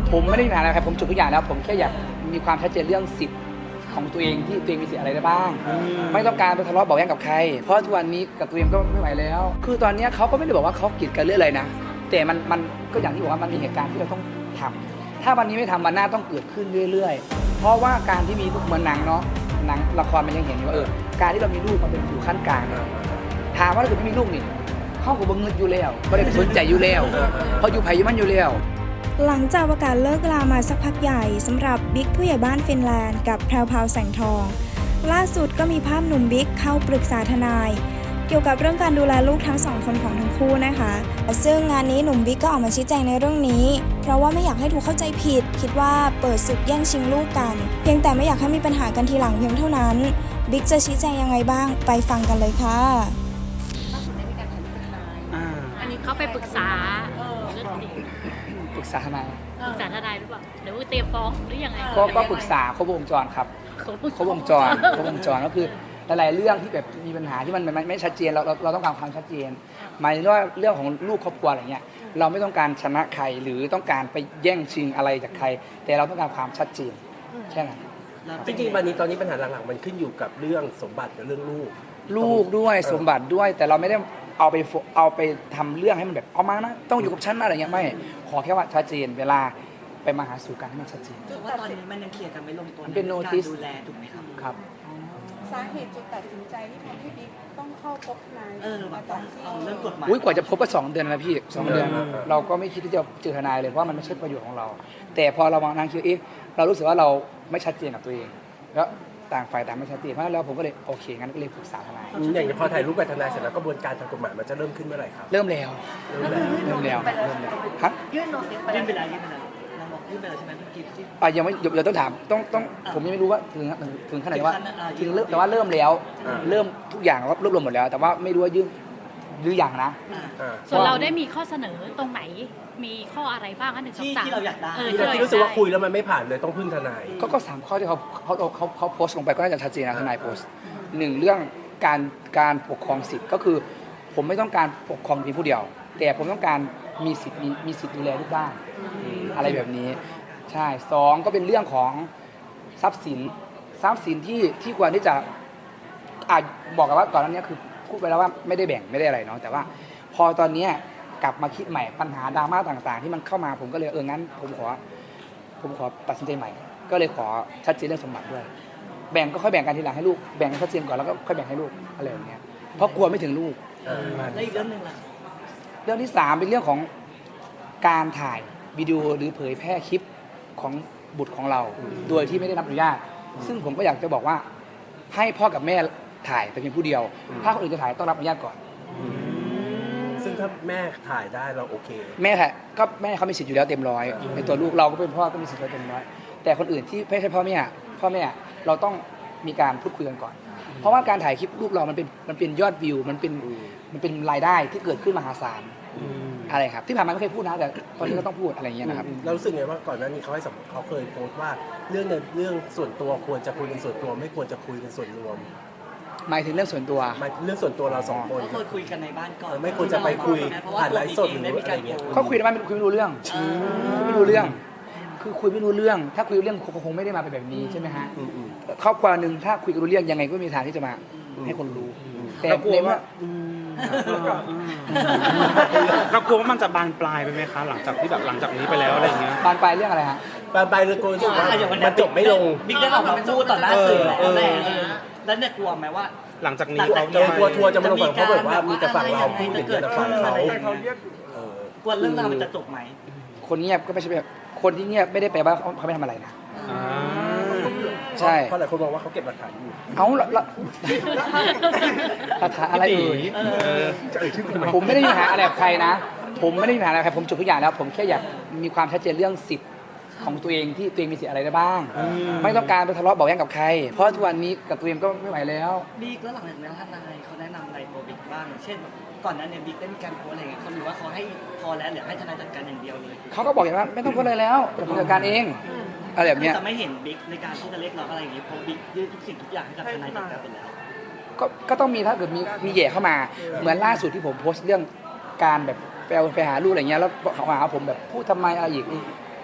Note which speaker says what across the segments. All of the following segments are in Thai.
Speaker 1: ผมไม่ได้มีปัญหาอะไรครับผมจบทุกอย่างแล้วผมแค่อยากมีความชัดเจนเรื่องสิทธิ์ของตัวเองที่ตัวเองมีสิทธิ์อะไรได้บ้างไม่ต้องการไปทะเลาะเบาะแว้งกับใครเพราะทุกวันนี้กับตัวเองก็ไม่ไหวแล้วคือตอนนี้เขาก็ไม่ได้บอกว่าเขากีดกันเรื่องอะไรนะแต่มันก็อย่างที่บอกว่ามันมีเหตุการณ์ที่เราต้องทำถ้าวันนี้ไม่ทำวันหน้าต้องเกิดขึ้นเรื่อยๆเพราะว่าการที่มีลูกเหมือนหนังเนาะหนังละครมันยังเห็นอยู่ว่าการที่เรามีลูกมันเป็นอยู่ขั้นกลางถามว่าถ้าเกิดไม่มีลูกนี่เขาก็บ่เงินอยู่แล้วไม่ได้สนใจอยู่แล้วเพราะอยู่ไผอยู่มันอยู่แล้ว
Speaker 2: หลังจากประกาศเลิกลามาสักพักใหญ่สำหรับบิ๊กผู้ใหญ่บ้านฟินแลนด์กับแพรวพราวแสงทองล่าสุดก็มีภาพหนุ่มบิ๊กเข้าปรึกษาทนายเกี่ยวกับเรื่องการดูแลลูกทั้งสองคนของทั้งคู่นะคะซึ่งงานนี้หนุ่มบิ๊กก็ออกมาชี้แจงในเรื่องนี้เพราะว่าไม่อยากให้ถูกเข้าใจผิดคิดว่าเปิดศึกแย่งชิงลูกกันเพียงแต่ไม่อยากให้มีปัญหากันทีหลังเพียงเท่านั้นบิ๊กจะชี้แจงยังไงบ้างไปฟังกันเลยค่ะ
Speaker 3: ล่าสุดได้มีการถ่ายรูปกับทนายอันนี้เขาไปปรึกษาเรื่องคดี
Speaker 1: ปรึกษาทนาย
Speaker 3: ปรึกษาทนายหรือเปล่าหรือว่าเตรียมฟ้องหรือยังไง
Speaker 1: ก็ปรึกษาครบวงจรครับครบวงจรก็คือหลายๆเรื่องที่แบบมีปัญหาที่มันไม่ชัดเจนเราต้องการความชัดเจนหมายถึงว่าเรื่องของลูกครอบครัวอะไรเงี้ยเราไม่ต้องการชนะใครหรือต้องการไปแย่งชิงอะไรจากใครแต่เราต้องการความชัดเจนแค่นั้น
Speaker 4: จริงๆวันนี้ตอนนี้ปัญหาหลักๆมันขึ้นอยู่กับเรื่องสมบัติกับเรื่องลูก
Speaker 1: ด้วยสมบัติด้วยแต่เราไม่ได้เอาไปทำเรื่องให้มันแบบเอามานะต้องอยู่กับฉันอะไรเงี้ยไม่ขอแค่ว่าชัดเจนเวลาไปมาหาสู่กันให้มันชัดเจน
Speaker 5: ถือว่าตอนนี้มันยังเคลียร์กันไม่ลงตัว
Speaker 1: เป็นโนติส
Speaker 5: ดูแลถูกไหมครับ
Speaker 1: ครับ
Speaker 6: สาเหตุจุดตัดสินใจที่ทำให้บิ๊กต้องเข้าพบทนาย
Speaker 5: แบบต้องเอาเรื่องกฎหมาย
Speaker 1: กว่าจะพบก็2 เดือนแล้วพี่2 เดือนเราก็ไม่คิดที่จะเจอทนายเลยเพราะมันไม่ใช่ประโยชน์ของเราแต่พอเรามานั่งคิดเรารู้สึกว่าเราไม่ชัดเจนกับตัวเองแล้วต่างฝ่ายต่างไม่ชัดเจนเพราะฉะนั้นแล้วผมก็เลยโอเคงั้นก็เลยปรึกษาทนาย
Speaker 4: อย่างพอถ่ายรูปกับทนายเสร็จแล้วกระบวนการทางกฎหมายมันจะเริ่มขึ้นเมื่อไหร่ครับ
Speaker 1: เริ่มแล้วครับ
Speaker 5: ยื่นโน้ตไปแล้วเราบอกยื่นไปแล้วใช่ไหมเมื่อกี้ที่
Speaker 1: ยังไม่เดี๋ยวต้องถามต้องผมยังไม่รู้ว่าถึงขนาดว่าถึงแต่ว่าเริ่มแล้วเริ่มทุกอย่างรวบรวมหมดแล้วแต่ว่าไม่รู้ว่ายื่นหรืออย่างนะ
Speaker 3: ส่วนเราได้มีข้อเสนอตรงไหนมีข้ออะไรบ้างคะ1 2 3
Speaker 5: ที่เราอยากได้
Speaker 4: ที่รู้สึกว่าคุยแล้วมันไม่ผ่านเลยต้องพึ่งทนาย
Speaker 1: ก็3 ข้อที่เขาโพสต์ลงไปก็น่าจะชัดเจนนะทนายโพสต์1เรื่องการปกครองสิทธิ์ก็คือผมไม่ต้องการปกครองเพียงผู้เดียวแต่ผมต้องการมีสิทธิ์ดูแลลูกบ้างอะไรแบบนี้ใช่2ก็เป็นเรื่องของทรัพย์สินที่ควรที่จะบอกกันว่าก่อนหน้านี้คือพูดไปแล้วว่าไม่ได้แบ่งไม่ได้อะไรเนาะแต่ว่าพอตอนนี้กลับมาคิดใหม่ปัญหาดราม่าต่างๆที่มันเข้ามาผมก็เลยงั้นผมขอตัดสินใจใหม่ก็เลยขอชัดเจนเรื่องสมบัติด้วยแบ่งก็ค่อยแบ่งกันทีหลังให้ลูกแบ่งชัดเจนก่อนแล้วก็ค่อยแบ่งให้ลูกอะไรอย่างเงี้ยเพราะกลัวไม่ถึงลูก
Speaker 5: แล้วอีกเรื่องนึงล่ะ
Speaker 1: เรื่องที่3เป็นเรื่องของการถ่ายวิดีโอหรือเผยแพร่คลิปของบุตรของเราโดยที่ไม่ได้รับอนุญาตซึ่งผมก็อยากจะบอกว่าให้พ่อกับแม่ถ่ายแต่เพียงผู้เดียวถ้าคนอื่นจะถ่ายต้องรับอนุญาตก่อน
Speaker 4: ซึ่งถ้าแม่ถ่ายได้เราโอเค
Speaker 1: แม่ถ่ายก็แม่เขามีสิทธิ์อยู่แล้วเต็มร้อยในตัวลูกเราก็เป็นพ่อก็มีสิทธิ์เต็มร้อยแต่คนอื่นที่ไม่ใช่พ่อแม่เราต้องมีการพูดคุยกันก่อนเพราะว่าการถ่ายคลิปลูกเรามันเป็นยอดวิวมันเป็นรายได้ที่เกิดขึ้นมหาศาลอะไรครับที่ผ่านมาไม่เคยพูดนะแต่ตอนนี้ก็ต้องพูดอะไรอย่างเงี้ยนะครับ
Speaker 4: เรารู้สึกไงว่าก่อนหน้านี้เขาเคยโพสต์ว่าเรื่องส่วนตัวควรจะคุยกันส่วนตัวไม่ควรจะคุยกันส่วนรวม
Speaker 1: หมายถึงเรื่องส่วนตัว
Speaker 4: เรื่องส่วนตัวเรา2 คน
Speaker 5: ก็เคยคุยกันในบ้านก่อน
Speaker 4: ไม่ควรจะไปคุยผ่านไลฟ์สดหรืออะไรเงี้ย
Speaker 1: ก็คุยในบ้านคุยไม่รู้เรื่องคุยไม่รู้เรื่องคือคุยไม่รู้เรื่องถ้าคุยรู้เรื่องคงไม่ได้มาเป็นแบบนี้ใช่ไหมฮะครอบครัวนึงถ้าคุยกันรู้เรื่องยังไงก็มีทางที่จะมาให้คนรู้แต่
Speaker 7: กลัวว่าเรากลัวว่ามันจะบานปลายไปไหมคะหลังจากนี้ไปแล้วอะไรเงี้ย
Speaker 1: บานปลายเรื่องอะไรฮะ
Speaker 4: บานปลายเรื่องโกงมันจบไม่ลง
Speaker 5: บิ๊กได้ออกมาพูดต่อหน้าสื่อแล้วเนี่ยกลัวไหมว่า
Speaker 7: หลังจากนี้
Speaker 4: เขาจะทัวร์จะมาลงฝั่งเขาแบบว่ามีแต่ฝั่งเราพูดอย่างเดียวแต่ฝั่งเขา
Speaker 5: กลัวเรื่องราวมันจะจบไหม
Speaker 1: คนเงียบก็ไม่ใช่แบบคนที่เงียบไม่ได้แปลว่าเขาไม่ทำอะไรนะใช่
Speaker 4: เพราะหลายคนบอกว่าเขาเก็บหลักฐานอยู่
Speaker 1: เอาละหลักฐานอะไรผมไม่ได้มีปัญหาอะไรกับใครนะผมไม่ได้มีปัญหาอะไรกับใครผมจบทุกอย่างแล้วผมแค่อยากมีความชัดเจนเรื่องสิทธิ์ของตัวเองที่ตัวเองมีสิทธิ์อะไรได้บ้างไม่ต้องการไปทะเลาะเบาะแว้งกับใครเพราะทุกวันนี้กับตัวเองก็ไม่ไหวแล้ว
Speaker 5: บิ๊กแล้วหลังจากนั้นทนายเขาแนะนำอะไรตัวบิ๊กบ้างเช่นก่อนนั้นเนี่ยบิ๊กได้มีการโพสอะไรเงี้ยเขาหรือว่าเขาให้พอแล้วหรือให้ทนายจัดการอย่างเดียวเลย
Speaker 1: เขาก็บอกอย่างว่าไม่ต้องโพสเลยแล้วเดี๋ยวผมจัดการเองอะไรแบบนี้
Speaker 5: จะไม่เห็นบิ๊กในการที่จะเรียกร้องอะไรอย่างงี้เพราะบิ๊กยื่นทุกสิ่งทุกอย่างให้กับทนายจัดการไปแล้ว
Speaker 1: ก็ต้องมีถ้าเกิดมีแย่เข้ามาเหมือนล่าสุดที่ผมโพสต์เรื่องการแบบไปหาลูกอะไรเงี้ยแล้วเขาหาผมแบบพูดทำไมอะไรอีก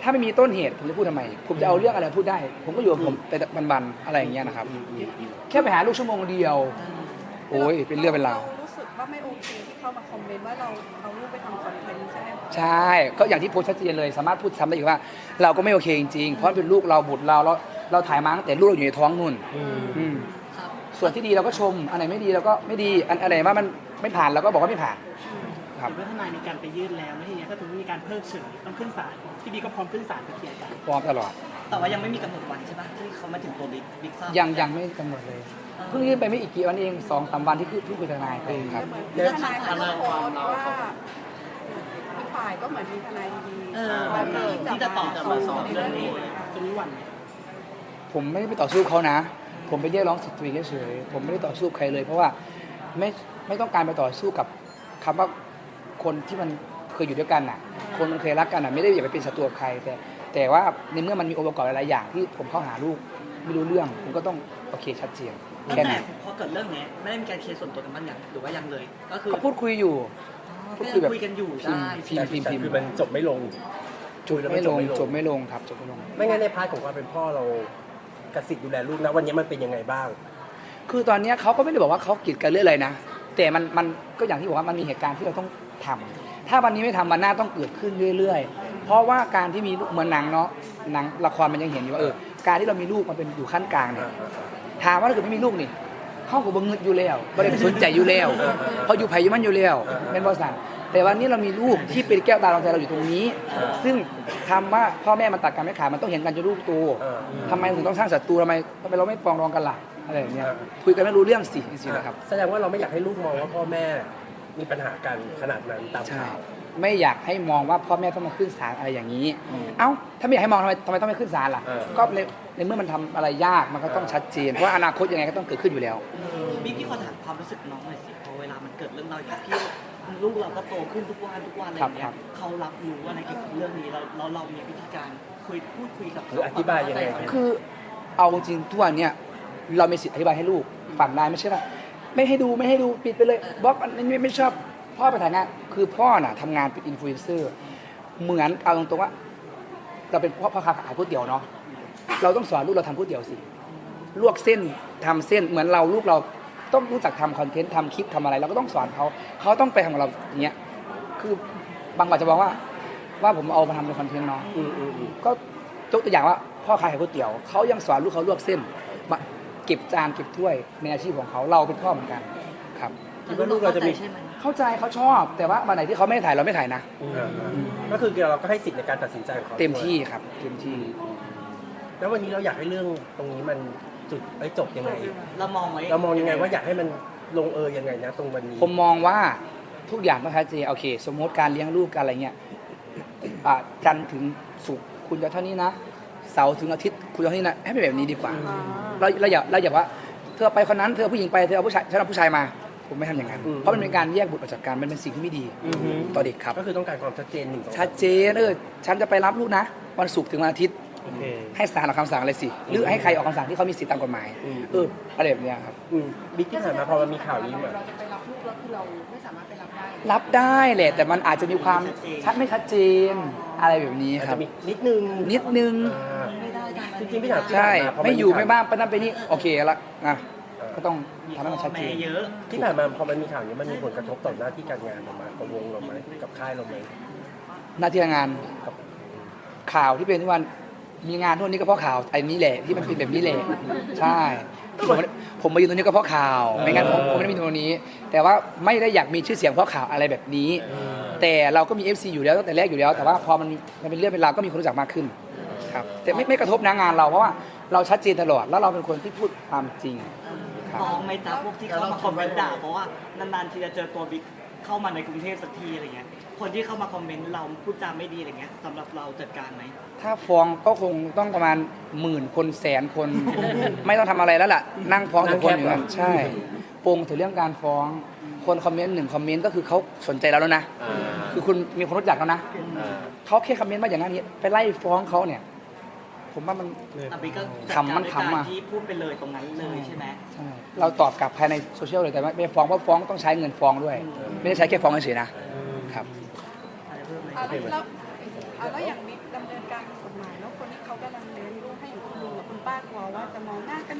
Speaker 1: ถ้าไม่มีต้นเหตุผมจะพูดทำไม ผมจะเอาเรื่องอะไรพูดได้ ผมก็อยู่กับผมไปบันๆอะไรอย่างเงี้ยนะครับ แค่ไปหาลูกชั่วโมงเดียว โอ้ยเป็นเรื่องเป็นราว
Speaker 6: รู้สึกว่าไม่โอเคที่เข้ามาคอมเมนต์ว่าเราเอารูปไปทำคอนเทนต์ใช่ไหมคะ
Speaker 1: ใช่ ก็อย่างที่โพสต์ชัดเจนเลย สามารถพูดซ้ำได้อีกว่า เราก็ไม่โอเคจริงๆ เพราะเป็นลูกเราบุตรเราถ่ายมาตั้งแต่ลูกเราอยู่ในท้องนู่นอืม
Speaker 5: ครับ
Speaker 1: ส่วนที่ดีเราก็ชม อันไหนไม่ดีเราก็ไม่ดี อันไหนว่ามันไม่ผ่านเราก็บอกว่าไม่ผ่าน ครับ
Speaker 8: เห็นว่าทนายมีการไปยื่นแล้วไม่ใช่ไงถ้าถึงมีการเพิกเฉยต้องขึ้นศาลพี่บีก็พร้อมขึ้นศาลไปเคลียร์กัน
Speaker 1: พร้อมตลอด
Speaker 5: แต่ว่ายังไม่มีกำหนดวันใช่ปะที่เขามาถึงตัวบิ๊กทราบ
Speaker 1: ยังไม่กำหนดเลย เพิ่งยื่นไปไม่อีกกี่วันเอง2-3 วันที่คุยทนายไปครับ
Speaker 6: แต่เหมือนทนายเขาโพสต์ว่าอีกฝ่ายก็เหมือนมีทนายดี
Speaker 5: เออ
Speaker 6: แบบที่
Speaker 5: ที่จะตอบ
Speaker 6: มา
Speaker 5: สอบเรื่องนี้
Speaker 8: จะมีวันไหม
Speaker 1: ผมไม่ได้ไปต่อสู้เขานะ ผมไปเรียกร้องสิทธิ์ตัวเองเฉยๆผมไม่ได้ต่อสู้ใครเลย เพราะว่าไม่ต้องการไปต่อสู้กับคำว่าคนที่มันเคยอยู่ด้วยกันน่ะ คนมันเคยรักกันน่ะไม่ได้อยากไปเป็นศัตรูกับใคร แต่ว่าในเมื่อมันมีองค์ประกอบหลายๆอย่างที่ผมเข้าหาลูกไม่รู้เรื่องผมก็ต้องโอเคชัดเจน
Speaker 5: ตั้ง
Speaker 1: แค่
Speaker 5: แต่
Speaker 1: นั้น
Speaker 5: พอเกิดเรื่องเนี้ยไม่ได้มีการเคลียร์ส่วนตัวกันบ้างยังหรือว่ายังเลย ก็คือ
Speaker 1: ก็พูดคุยอยู่
Speaker 5: ก็ยังคุยกันอยู่ได้
Speaker 1: พิมพ์
Speaker 4: แต่คือมันจบไม่ลงคุยแล้ว
Speaker 1: ไม่ลง
Speaker 4: ไม่
Speaker 1: จบไม่ลงครับจบไม่ลง
Speaker 4: ไม่งั้นในพาร์ทของความเป็นพ่อเรากสิทธิ์ดูแลลูกนะวันนี้มันเป็นยังไงบ้าง
Speaker 1: คือตอนเนี้ยเขาก็ไม่ได้บอกว่าเขากีดกันเรื่องอะไรนะ แต่มันก็อย่างที่บอกว่ามันมีเหตุการณ์ที่เราต้องทำถ้าวันนี้ไม่ทำวันหน้าต้องเกิดขึ้นเรื่อยๆ เพราะว่าการที่มีลูกเหมือนหนังเนาะหนังละครมันยังเห็นอยู่ว่าการที่เรามีลูกมันเป็นอยู่ขั้นกลางเนี่ยถามว่าถ้าเกิดไม่มีลูกนี่เขาก็บังเงิดอยู่แล้วไม่ได้สนใจอยู่แล้วเพราะอยู่ไผ่อยู่มันอยู่แล้วเป็นบริษัทแต่วันนี้เรามีลูกที่เป็นแก้วตาดวงใจเราอยู่ตรงนี้ ซึ่งคำว่าพ่อแม่มันตัดกันไม่ขาดมันต้องเห็นกันจนลูกโตทำไมถึงต้องสร้างศัตรูทำไมเราไม่ปรองดองกันล่ะอะไรอย่างเงี้ยคุยกันไม่รู้เรื่องสิจริงๆนะครับ
Speaker 4: แสดงว่าเราไม่อยากให้ลูกมองว่าพ่อแม่มีปัญหากันขนาดนั้นตาม
Speaker 1: ใช่
Speaker 4: ข่าว
Speaker 1: ไม่อยากให้มองว่าพ่อแม่ต้องมาขึ้นศาลอะไรอย่างนี้ เอ้าถ้าไม่อยากให้มองทำไมต้องไม่ขึ้นศาลล่ะ ก็ในเมื่อมันทำอะไรยากมันก็ต้องชัดเจนเพราะว่าอนาคตยังไงก็ต้องเกิดขึ้นอยู่แล้ว
Speaker 5: พี่ขอถามความรู้สึกน้องหน่อยสิพอเวลามันเกิดเรื่องราวอย่างที่ลูกเราก็โตขึ้นทุกวันอะไรอย่างเงี้
Speaker 1: ครั
Speaker 5: ย
Speaker 1: บ
Speaker 5: เขารับรู้อะไรเกี่ยวกับเรื่องนี้เรามีวิธีการพูดคุยกับ
Speaker 4: หรืออธิบายยังไง
Speaker 1: คือเอาจริงทุกวันเนี่ยเรามีสิทธิ์อธิบายให้ลูกฟังได้ไม่ใช่ว่าไม่ให้ดูปิดไปเลยบล็อกอันนี้ไม่ชอบพ่อไปถ่ายงานคือพ่อน่ะทำงานเป็นอินฟลูเอนเซอร์เหมือนเอาตรงๆว่า เราเป็นพ่อค้าขายก๋วยเตี๋ยวเนาะเราต้องสอนลูกเราทำก๋วยเตี๋ยวสิลวกเส้นทำเส้นเหมือนลูกเราต้องรู้จักทำคอนเทนต์ทำคลิปทำอะไรเราก็ต้องสอนเขาต้องไปทำของเราอย่างเงี้ยคือบางวันจะบอกว่าผมเอามาทำเป็นคอนเทนต์เนาะก็ยกตัวอย่างว่าพ่อขายก๋วยเตี๋ยวเขายังสอนลูกเขาลวกเส้นมาเก็บจานเก็บถ้วยในอาชีพของเขาเราเป็นพ่อเหมือนกันครับ
Speaker 4: คิดว่าลูกเราจะมี
Speaker 5: ใช่ไหม
Speaker 1: เข้าใจเขาชอบแต่ว่าวันไหนที่เขาไม่ถ่ายเราไม่ถ่ายนะ
Speaker 4: ก็คือเราก็ให้สิทธิ์ในการตัดสินใจของเขา
Speaker 1: เต็มที่ครับเต็มที่
Speaker 4: แล้ววันนี้เราอยากให้เรื่องตรงนี้มันจบยังไง
Speaker 5: เรามองไว้
Speaker 4: เรามองยังไงว่าอยากให้มันลงยังไงนะตรงวันนี้
Speaker 1: ผมมองว่าทุกอย่างต้องชัดเจนโอเค สมมติการเลี้ยงลูกกันอะไรเงี้ยจันทร์ถึงศุกร์คุณจะเท่านี้นะเสาร์ถึงอาทิตย์คุณจะเท่านี้นะให้เป็นแบบนี้ดีกว่าเราอย่าว่าเธอไปคนนั้นเธอผู้หญิงไปเธอเอาผู้ชายฉันเอาผู้ชายมาผมไม่ทำอย่างนั้นเพราะมันเป็นการแยกบุตรออกจากกันมันเป็นสิ่งที่ไม่ดีต่อเด็กครับ
Speaker 4: ก็คือต้องการความชัดเจน
Speaker 1: ชัดเจนฉันจะไปรับลูกนะวันศุกร์ถึงวันอาทิตย์
Speaker 4: โอเค
Speaker 1: ให้ศาลออกคำสั่งอะไรสิหรือให้ใครออกคำสั่งที่เขามีสิทธิตามกฎหมายอะไรแบบเนี้ยครับ
Speaker 4: บิ๊กที่ผ่านมาพอมันมีข่าวนี้มา
Speaker 6: เราจะไปรับลูกแล้วคือเราไม่สามารถไปรับได้
Speaker 1: รับได้แหละแต่มันอาจจะมีความไม่ชัดเจนอะไรแบบนี้
Speaker 4: อาจ
Speaker 1: ครั
Speaker 4: จะ
Speaker 1: บ
Speaker 4: มีนิดนึง
Speaker 1: นิดนึง
Speaker 5: ไม่ได้ตามนั้น
Speaker 4: จริงๆพี่ถาม
Speaker 1: ใช่
Speaker 4: พอ
Speaker 1: ไม่อยู่
Speaker 4: ข่ว
Speaker 1: ไม่บ้างไปนั่นไปนี่โอเคละนะก็ต้อง
Speaker 5: มี
Speaker 1: ทำให้มันชัดเจน
Speaker 5: แม่เยอะ
Speaker 4: ที่ผ่านมาพอมันมีข่าวนี้มันมีผลกระทบต่อหน้าที่การงานเราไหมกับวงเราไหมกับค่ายเราไหม
Speaker 1: หน้าที่การงานกับข่าวที่เป็นทุกวันมีงานทุกวันนี้ก็เพราะข่าวไอ้นี้แหละที่มันเป็นแบบนี้แหละใช่ผมมายืนตรงนี้ก็เพราะข่าวไม่งั้นผมไม่ได้มีตรงนี้ แต่ว่าไม่ได้อยากมีชื่อเสียงเพราะข่าวอะไรแบบนี้ แต่เราก็มี FC อยู่แล้วตั้งแต่แรกอยู่แล้ว แต่ว่าพอมันเป็นเรื่องเป็นราวก็มีคนรู้จักมากขึ้นครับแต่ไม่กระทบนะงานเราเพราะว่าเราชัดเจนตลอดแล้วเราเป็นคนที่พูดความจริงครับ
Speaker 5: ฟ้องไหมจ๊ะพวกที่เข้ามาคอมเมนต์ด่าเพราะว่านานๆทีจะเจอตัวบิ๊กเข้ามาในกรุงเทพสักทีอะไรเงี้ยคนที่เข้ามาคอมเมนต์เราพูดจาไม่ดีอะไรเงี้ยสำหรับเราจัดการไหม
Speaker 1: ถ้าฟ้องก็คงต้องประมาณ10,000 คนแสนคน ไม่ต้องทำอะไรแล้วล่ะนั่งฟ้องแต่คนอยู่นั้นใช่ปงถึงเรื่องการฟ้องคนคอมเมนต์1คอมเมนต์ก็คือเขาสนใจเราแล้วนะคือคุณมีคนรู้จักแล้วนะเขาแค่คอมเมนต์มาอย่างนั้นนี้ไปไล่ฟ้องเขาเนี่ยผมว่ามัน
Speaker 5: แต่บิ๊กก็จัด
Speaker 1: ขำ
Speaker 5: กา
Speaker 1: มั
Speaker 5: ร
Speaker 1: น
Speaker 5: ด้วย
Speaker 1: ขำ
Speaker 5: การ
Speaker 1: อะ
Speaker 5: ที่พูดไปเลยตรงนั้นเลยใช่ไหม
Speaker 1: ใช่เราตอบกลับภายในโซเชียลเลยแต่ไม่ฟ้องเพราะฟ้องต้องใช้เงินฟ้องด้วย ไม่ได้ใช้แค่ฟ้องเฉยๆนะครับ
Speaker 5: อะไรเพิ่มไหม
Speaker 6: แล้วอย่างบิ๊กดำเนินการ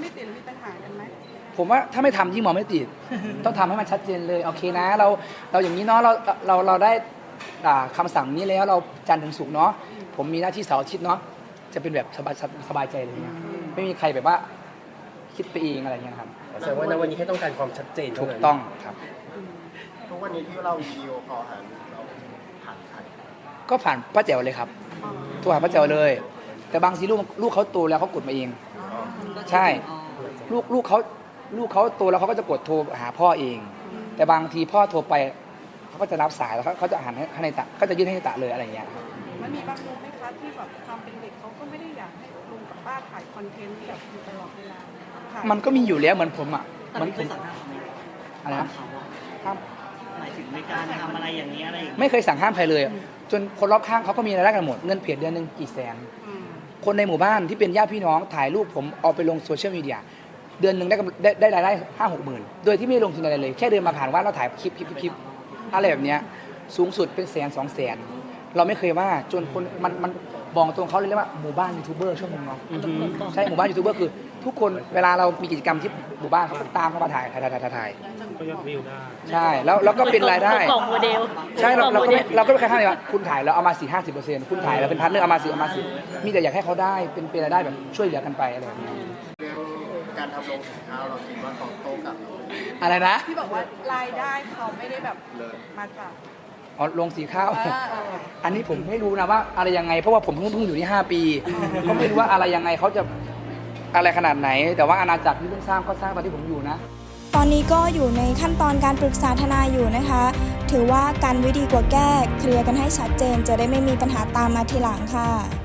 Speaker 6: ไม่ติดหรือมีปัญหากันไหม
Speaker 1: ผมว่าถ้าไม่ทำยิ่งมองไม่ติด ต้องทำให้มันชัดเจนเลยโอเคนะเราอย่างนี้เนาะเราได้คำสั่งนี้แล้วเราจันทร์ถึงศุกร์เนาะผมมีหน้าที่เสาร์อาทิตย์เนาะจะเป็นแบบสบายใจเลยเนี่ยไม่มีใครแบบว่าคิดไปเองอะไรเงี้ยครับ
Speaker 4: แสดงว่าในวันนี้แค่ต้องการความชัดเจนเท่า
Speaker 1: ถูก
Speaker 4: นั้น
Speaker 1: ต้องครับ
Speaker 9: ทุกวันนี้ที่เราวิดีโอคอลหาเราผ่านใคร
Speaker 1: ก็ผ่านป้าแจ๋วเลยครับโทรหาป้าแจ๋วเลย แต่บางทีลูกเขาโตแล้วเขากดมาเอง ใช่ลูกเขาโตแล้วเขาก็จะกดโทรหาพ่อเอง แต่บางทีพ่อโทรไปเขาก็จะรับสายแล้วเขาจะหันให้ในตะก็จะยื่นให้ในตะเลยอะไรอย่างเงี้ยครับ
Speaker 6: มันมีบางมุมไหมคะที่แบบความเป็นเด็กเขาก็ไม่ได้อยากให้ลุงกับป้าถ่ายคอนเทนต์แบบอยู่ตลอดเวลาถ่าย
Speaker 1: มันก็มีอยู่แล้วเหมือนผมอ่ะ
Speaker 5: แต่
Speaker 1: เหมือน
Speaker 5: ไม่
Speaker 1: ผ
Speaker 5: เคย
Speaker 1: ม
Speaker 5: สั่งห้ามเขาไหม
Speaker 1: อะไรนะ
Speaker 5: เขาอะ
Speaker 1: ห้าม
Speaker 5: หมายถึงในการทำอะไรอย่างนี้ยอะไรอย่างเงี้ย
Speaker 1: ไม่เคยสั่งห้ามใครเลย จนคนรอบข้างเขาก็มีรายได้กันหมดเงินเพจเดือนหนึงกี่แสน
Speaker 6: อืม
Speaker 1: คนในหมู่บ้านที่เป็นญาติพี่น้องถ่ายรูปผมเอาไปลงโซเชียลมีเดียเดือนหนึ่งได้รายได้5-6 หมื่นโดยที่ไม่ลงทุนอะไรเลย แค่เดินมาผ่านว่าเราถ่ายคลิปอะไรแบบเนี้ยสูงสุดเป็น100,000-200,000เราไม่เคยว่าจนคนมันบอกตรงเขาเลยเรียกว่าหมู่บ้านยูทูบเบอร์ช่วงนึงเนาะใช่หมู่บ้านยูทูบเบอร์คือทุกคนเวลาเรามีกิจกรรมที่หมู่บ้านเขาก็ตามเข้ามาถ่าย
Speaker 7: ก็ยอดวิวได้
Speaker 1: ใช่แล้วก็เป็นรายได้
Speaker 3: กล่องโมเดล
Speaker 1: ใช่เราก็ไม่เคยห้ามเลยว่าคุณถ่ายแล้วเอามา50%คุณถ่ายแล้วเป็นพาร์ทเนอร์เอามา10มีแต่อยากให้เขาได้เป็นรายได้แบบช่วยเหลือกันไปอะไรแบบนี้
Speaker 9: เรื่องการทำลงสินค้าเราคิดว่าเขาโต้กลับเราไหม
Speaker 1: อะไรนะ
Speaker 6: ที่บอกว่ารายได้เขาไม่ได้แบบมาจาก
Speaker 1: อ๋อลงสีข้าว
Speaker 6: เออ
Speaker 1: อันนี้ผมไม่รู้นะว่าอะไรยังไงเพราะว่าผมเพิ่งอยู่ที่5 ปีก็ไม่รู้ว่าอะไรยังไงเขาจะอะไรขนาดไหน แต่ว่าอาณาจักรที่เพิ่งสร้างก็สร้างตอนที่ผมอยู่นะ
Speaker 2: ตอนนี้ก็อยู่ในขั้นตอนการปรึกษาทนายอยู่นะคะ ถือว่าการไว้ดีกว่าแก้เคลียร์กันให้ชัดเจนจะได้ไม่มีปัญหาตามมาทีหลังค่ะ